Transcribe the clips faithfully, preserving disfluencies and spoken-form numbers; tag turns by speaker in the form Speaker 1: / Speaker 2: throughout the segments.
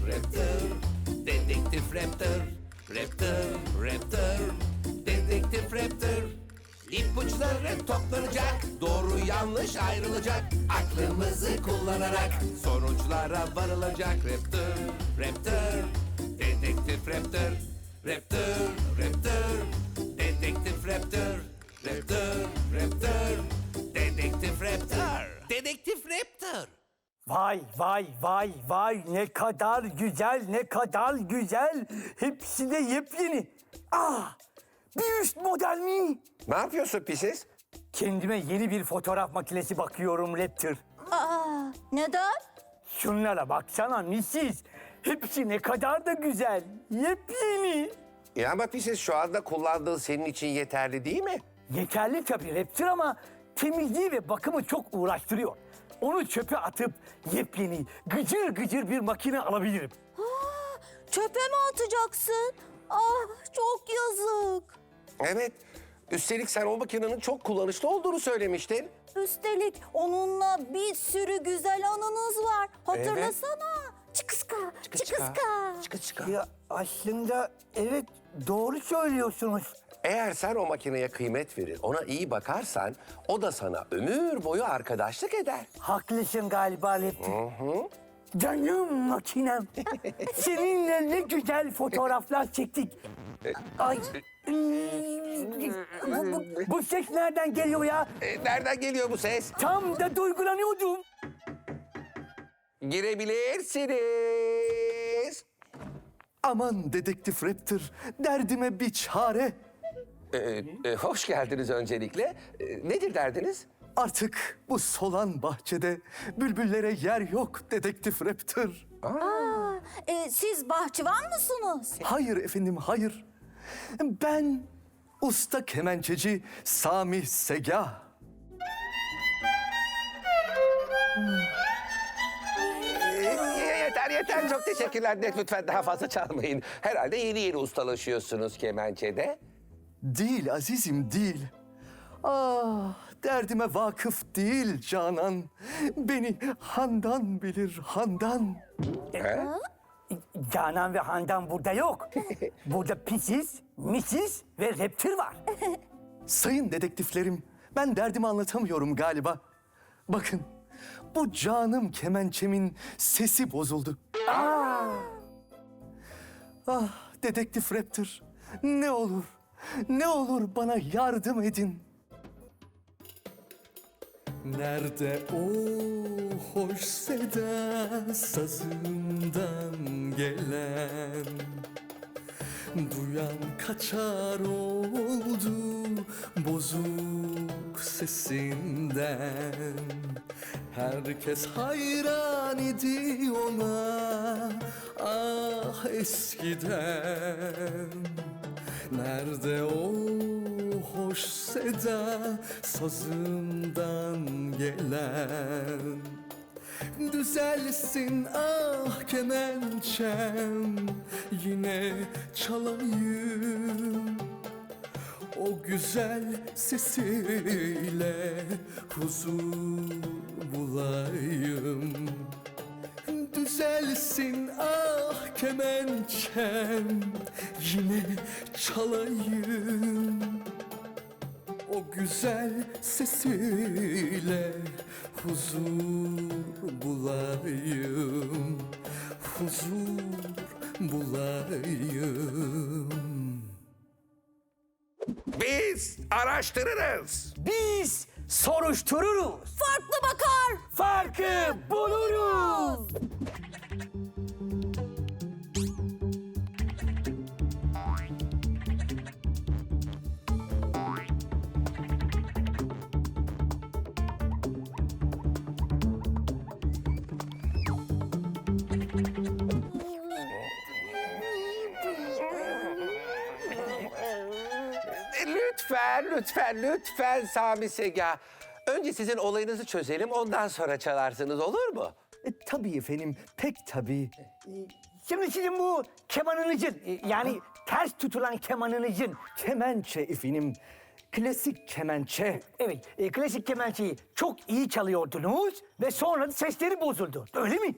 Speaker 1: Raptor, Dedektif Raptor, Raptor, Raptor, Dedektif Raptor. İpuçları toplanacak, doğru yanlış ayrılacak. Aklımızı kullanarak sonuçlara varılacak. Raptor, Raptor, Dedektif Raptor, Raptor, Raptor, Dedektif Raptor, Raptor, Raptor, Dedektif Raptor, Dedektif Raptor.
Speaker 2: Vay vay vay vay ne kadar güzel ne kadar güzel. Hepsi de yepyeni. Ah bir üst model mi?
Speaker 3: Ne yapıyorsun pisiz?
Speaker 2: Kendime yeni bir fotoğraf makinesi bakıyorum Raptor.
Speaker 4: Aa, neden?
Speaker 2: Şunlara baksana missis. Hepsi ne kadar da güzel. Yepyeni.
Speaker 3: Ya ama pisiz şu anda kullandığın senin için yeterli değil mi?
Speaker 2: Yeterli tabii Raptor ama temizliği ve bakımı çok uğraştırıyor. Onu çöpe atıp yepyeni gıcır gıcır bir makine alabilirim.
Speaker 4: Aa, çöpe mi atacaksın? Ah, çok yazık.
Speaker 3: Evet. Üstelik sen o makinenin çok kullanışlı olduğunu söylemiştin.
Speaker 4: Üstelik onunla bir sürü güzel anınız var. Hatırlasana. Çıkıska, çıkıska.
Speaker 3: Çıkı çıkı.
Speaker 2: Ya aslında evet doğru söylüyorsunuz.
Speaker 3: Eğer sen o makineye kıymet verir, ona iyi bakarsan o da sana ömür boyu arkadaşlık eder.
Speaker 2: Haklısın galiba Leptin. Canım makinem. Seninle ne güzel fotoğraflar çektik. Ay. bu, bu, bu ses nereden geliyor ya?
Speaker 3: E, nereden geliyor bu ses?
Speaker 2: Tam da duygulanıyordum.
Speaker 3: Girebilirsiniz.
Speaker 5: Aman dedektif Raptor, derdime bir çare.
Speaker 3: E, e, hoş geldiniz öncelikle. E, nedir derdiniz?
Speaker 5: Artık bu solan bahçede bülbüllere yer yok dedektif Raptor.
Speaker 4: Aa, e, siz bahçıvan mısınız?
Speaker 5: Hayır efendim, hayır. Ben usta kemençeci Sami Segah.
Speaker 3: E, yeter yeter çok teşekkürler. De, lütfen daha fazla çalmayın. Herhalde yeni yeni ustalaşıyorsunuz kemençede.
Speaker 5: Değil azizim, değil. Ah, derdime vakıf değil Canan. Beni Handan bilir, Handan.
Speaker 3: He?
Speaker 2: Canan ve Handan burada yok. Burada pisiz, misis ve Raptor var.
Speaker 5: Sayın dedektiflerim, ben derdimi anlatamıyorum galiba. Bakın, bu canım kemençemin sesi bozuldu. Ah, dedektif Raptor, ne olur, ne olur bana yardım edin. Nerede o hoş seda sazından gelen? Duyan kaçar oldu bozuk sesinden. Herkes hayran idi ona, ah eskiden. Nerede o hoş seda sazından gelen? Düzelsin ah kemençem, yine çalayım. O güzel sesiyle huzur bulayım. Düzelsin ah kemençem, yine çalayım. O güzel sesiyle huzur bulayım, huzur bulayım.
Speaker 3: Biz araştırırız.
Speaker 2: Biz soruştururuz.
Speaker 4: Farklı bakar.
Speaker 2: Farkı buluruz.
Speaker 3: Lütfen, lütfen, lütfen Sami Segah. Önce sizin olayınızı çözelim, ondan sonra çalarsınız, olur mu?
Speaker 5: E, tabii efendim, pek tabii.
Speaker 2: Şimdi sizin bu kemanınızın yani ters tutulan kemanınızın
Speaker 5: Kemençe efendim, klasik kemençe.
Speaker 2: evet e, klasik kemençeyi çok iyi çalıyordunuz ve sonra da sesleri bozuldu. Öyle mi?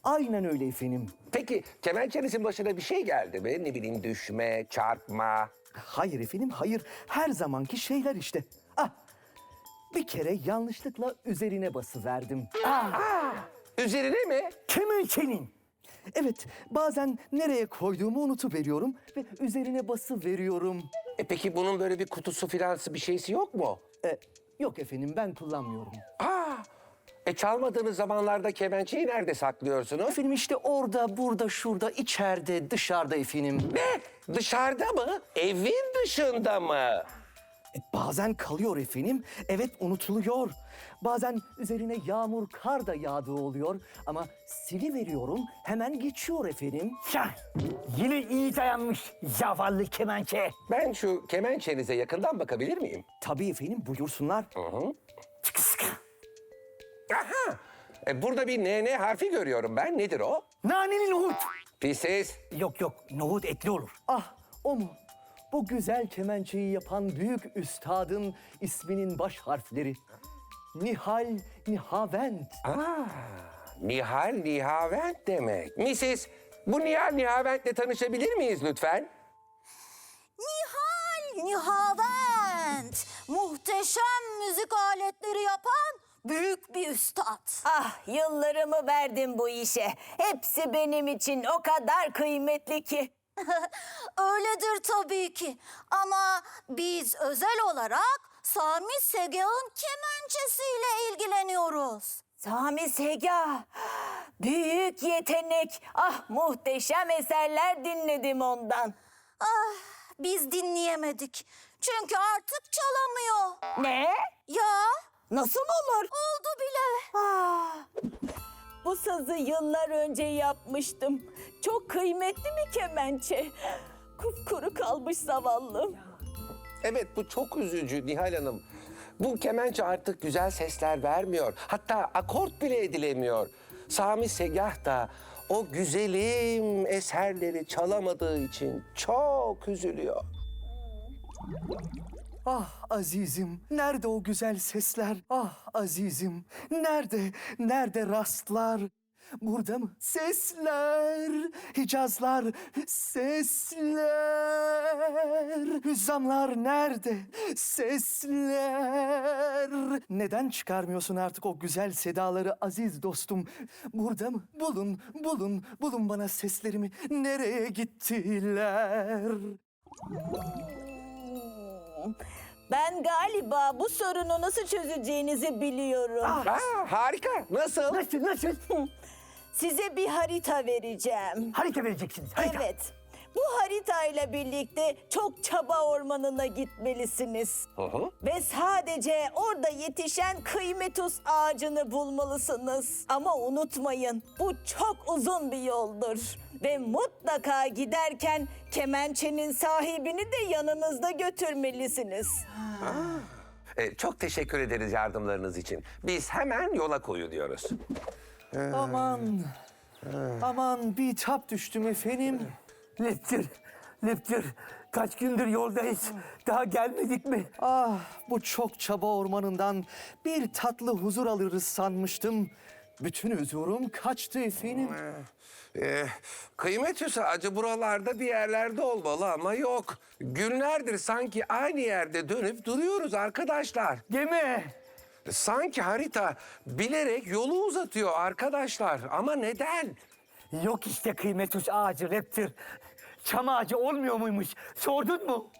Speaker 5: Aynen öyle efendim.
Speaker 3: Peki kemençenizin başına bir şey geldi mi? Ne bileyim düşme, çarpma.
Speaker 5: Hayır efendim, hayır. Her zamanki şeyler işte. Ah, bir kere yanlışlıkla üzerine basıverdim.
Speaker 3: Üzerine mi?
Speaker 2: Kemençenin.
Speaker 5: Evet, bazen nereye koyduğumu unutuveriyorum ve üzerine bası veriyorum.
Speaker 3: E peki bunun böyle bir kutusu filansı bir şeysi yok mu?
Speaker 5: E, yok efendim, ben kullanmıyorum.
Speaker 3: Aa, e çalmadığınız zamanlarda kemençeyi nerede saklıyorsunuz?
Speaker 5: Efendim işte orada, burada, şurada, içeride, dışarıda efendim.
Speaker 3: Ne? Dışarıda mı? Evin dışında mı?
Speaker 5: E, bazen kalıyor efendim, evet unutuluyor. Bazen üzerine yağmur, kar da yağdığı oluyor. Ama siliveriyorum, hemen geçiyor efendim.
Speaker 2: Şah. Yine iyi dayanmış zavallı kemençe.
Speaker 3: Ben şu kemençenize yakından bakabilir miyim?
Speaker 5: Tabii efendim, buyursunlar.
Speaker 2: Çıkı sıkı.
Speaker 3: Aha! E, burada bir N N harfi görüyorum ben. Nedir o?
Speaker 2: Naneli nohut.
Speaker 3: Pisiz.
Speaker 2: Yok yok, nohut etli olur.
Speaker 5: Ah, o mu? Bu güzel kemençeyi yapan büyük üstadın isminin baş harfleri. Nihal Nihavent.
Speaker 3: Nihal Nihavent demek. Missis, bu Nihal Nihavent'le tanışabilir miyiz lütfen?
Speaker 4: Nihal Nihavent. Muhteşem müzik aletleri yapan büyük bir üstad.
Speaker 6: Ah, yıllarımı verdim bu işe. Hepsi benim için o kadar kıymetli ki.
Speaker 4: Öyledir tabii ki. Ama biz özel olarak Sami Segah'ın kemençesiyle ilgileniyoruz.
Speaker 6: Sami Segah, büyük yetenek. Ah, muhteşem eserler dinledim ondan.
Speaker 4: Ah, biz dinleyemedik. Çünkü artık çalamıyor.
Speaker 6: Ne?
Speaker 4: Ya,
Speaker 6: Nasıl olur?
Speaker 4: oldu bile.
Speaker 6: Ah, bu sazı yıllar önce yapmıştım. Çok kıymetli bir kemençe. Kupkuru kalmış zavallım.
Speaker 3: Evet, bu çok üzücü Nihal Hanım. Bu kemençe artık güzel sesler vermiyor. Hatta akort bile edilemiyor. Sami Segah da o güzelim eserleri çalamadığı için çok üzülüyor.
Speaker 5: Ah azizim, nerede o güzel sesler? Ah azizim, nerede, nerede rastlar? Burada mı? Sesler, Hicazlar, sesler. Hüzzamlar nerede? Sesler. Neden çıkarmıyorsun artık o güzel sedaları aziz dostum? Burada mı? Bulun, bulun, bulun bana seslerimi. Nereye gittiler?
Speaker 6: Ben galiba bu sorunu nasıl çözeceğinizi biliyorum.
Speaker 3: Aa, harika. Nasıl?
Speaker 2: Nasıl nasıl?
Speaker 6: Size bir harita vereceğim.
Speaker 2: Harita vereceksiniz. Harita.
Speaker 6: Evet. Bu haritayla birlikte çok çaba ormanına gitmelisiniz.
Speaker 3: Hı hı.
Speaker 6: Ve sadece orada yetişen kıymetus ağacını bulmalısınız. Ama unutmayın, bu çok uzun bir yoldur. Ve mutlaka giderken kemençenin sahibini de yanınızda götürmelisiniz.
Speaker 3: E, çok teşekkür ederiz yardımlarınız için. Biz hemen yola koyuluyoruz.
Speaker 5: Aman, aman bir tap düştüm efendim.
Speaker 2: Leptir, Leptir. Kaç gündür yoldayız. Daha gelmedik mi?
Speaker 5: Ah, bu çok çaba ormanından bir tatlı huzur alırız sanmıştım. Bütün huzurum kaçtı efendim.
Speaker 3: Ee, kıymet ağacı buralarda bir yerlerde olmalı ama yok. Günlerdir sanki aynı yerde dönüp duruyoruz arkadaşlar.
Speaker 2: Gemi.
Speaker 3: Sanki harita bilerek yolu uzatıyor arkadaşlar. Ama neden?
Speaker 2: Yok işte kıymetus ağacı Leptir. Çam ağacı olmuyor muymuş? Sordun mu?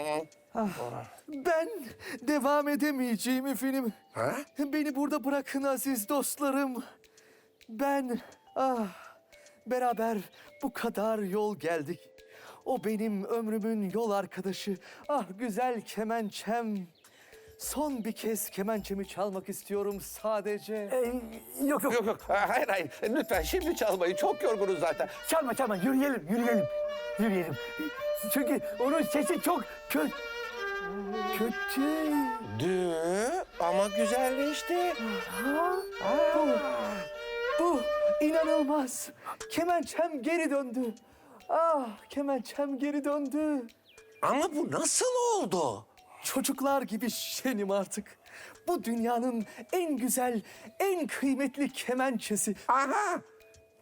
Speaker 5: Ben devam edemeyeceğim efendim.
Speaker 3: Ha?
Speaker 5: Beni burada bırakın aziz dostlarım. Ben, ah, beraber bu kadar yol geldik. O benim ömrümün yol arkadaşı. Ah güzel kemençem. Son bir kez kemençemi çalmak istiyorum sadece.
Speaker 2: Ee, yok yok.
Speaker 3: Yok yok hayır hayır lütfen şimdi çalmayın çok yorgunuz zaten.
Speaker 2: Çalma çalma. Yürüyelim, yürüyelim. Yürüyelim. Çünkü onun sesi çok kötü. Kötü.
Speaker 3: Dü ama güzelleşti.
Speaker 5: Bu, bu inanılmaz. Kemençem geri döndü. Ah kemençem geri döndü.
Speaker 3: Ama bu nasıl oldu?
Speaker 5: Çocuklar gibi şenim artık. Bu dünyanın en güzel, en kıymetli kemençesi.
Speaker 3: Aha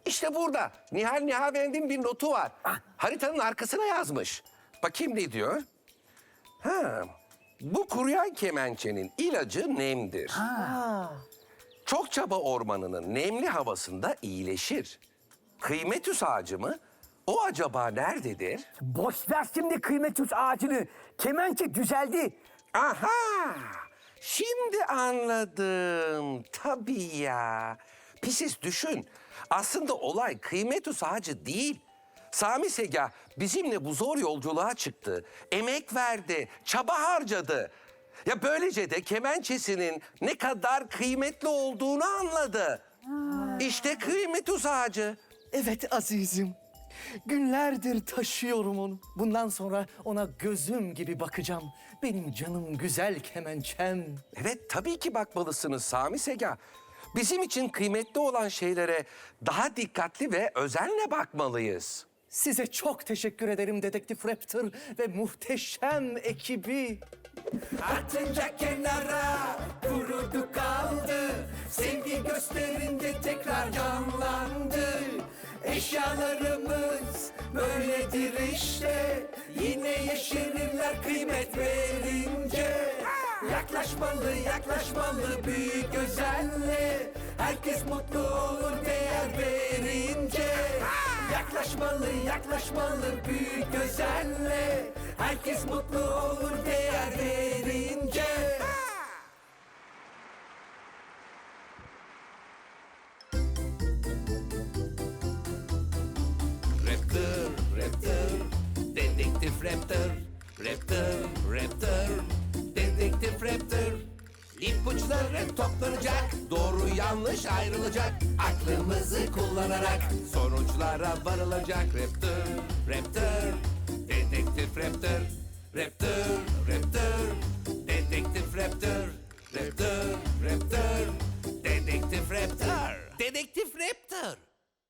Speaker 3: İşte burada Nihal Nihavend'in bir notu var. Haritanın arkasına yazmış. Bakayım ne diyor? Ha, bu kuruyan kemençenin ilacı nemdir. Çok çaba ormanının nemli havasında iyileşir. Kıymetüs ağacı mı? O acaba nerededir?
Speaker 2: Boş ver şimdi kıymetüs ağacını. Kemençe düzeldi.
Speaker 3: Aha! Şimdi anladım. Tabii ya. Pisis düşün. Aslında olay kıymetüs ağacı değil. Sami Segah bizimle bu zor yolculuğa çıktı. Emek verdi, çaba harcadı. Ya böylece de kemençesinin ne kadar kıymetli olduğunu anladı. İşte kıymetüs ağacı.
Speaker 5: Evet azizim. Günlerdir taşıyorum onu. Bundan sonra ona gözüm gibi bakacağım. Benim canım güzel kemençem.
Speaker 3: Evet, tabii ki bakmalısınız Sami Segah. Bizim için kıymetli olan şeylere daha dikkatli ve özenle bakmalıyız.
Speaker 5: Size çok teşekkür ederim Dedektif Raptor ve muhteşem ekibi.
Speaker 1: Atınca kenara kurudu kaldı. Sevgi gösterince tekrar canlandı. Eşyalarımız böyledir işte. Yine yeşerirler kıymet verince. Yaklaşmalı yaklaşmalı büyük özenle. Herkes mutlu olur değer verince. Yaklaşmalı yaklaşmalı büyük özenle. Herkes mutlu olur değer verince. Raptor, Raptor, Dedektif Raptor. Raptor, Raptor, Dedektif Raptor. İpuçları toplanacak, doğru yanlış ayrılacak. Aklımızı kullanarak sonuçlara varılacak. Raptor, Raptor, Dedektif Raptor. Raptor, Raptor, Dedektif Raptor. Raptor, Raptor, Dedektif Raptor. Dedektif Raptor.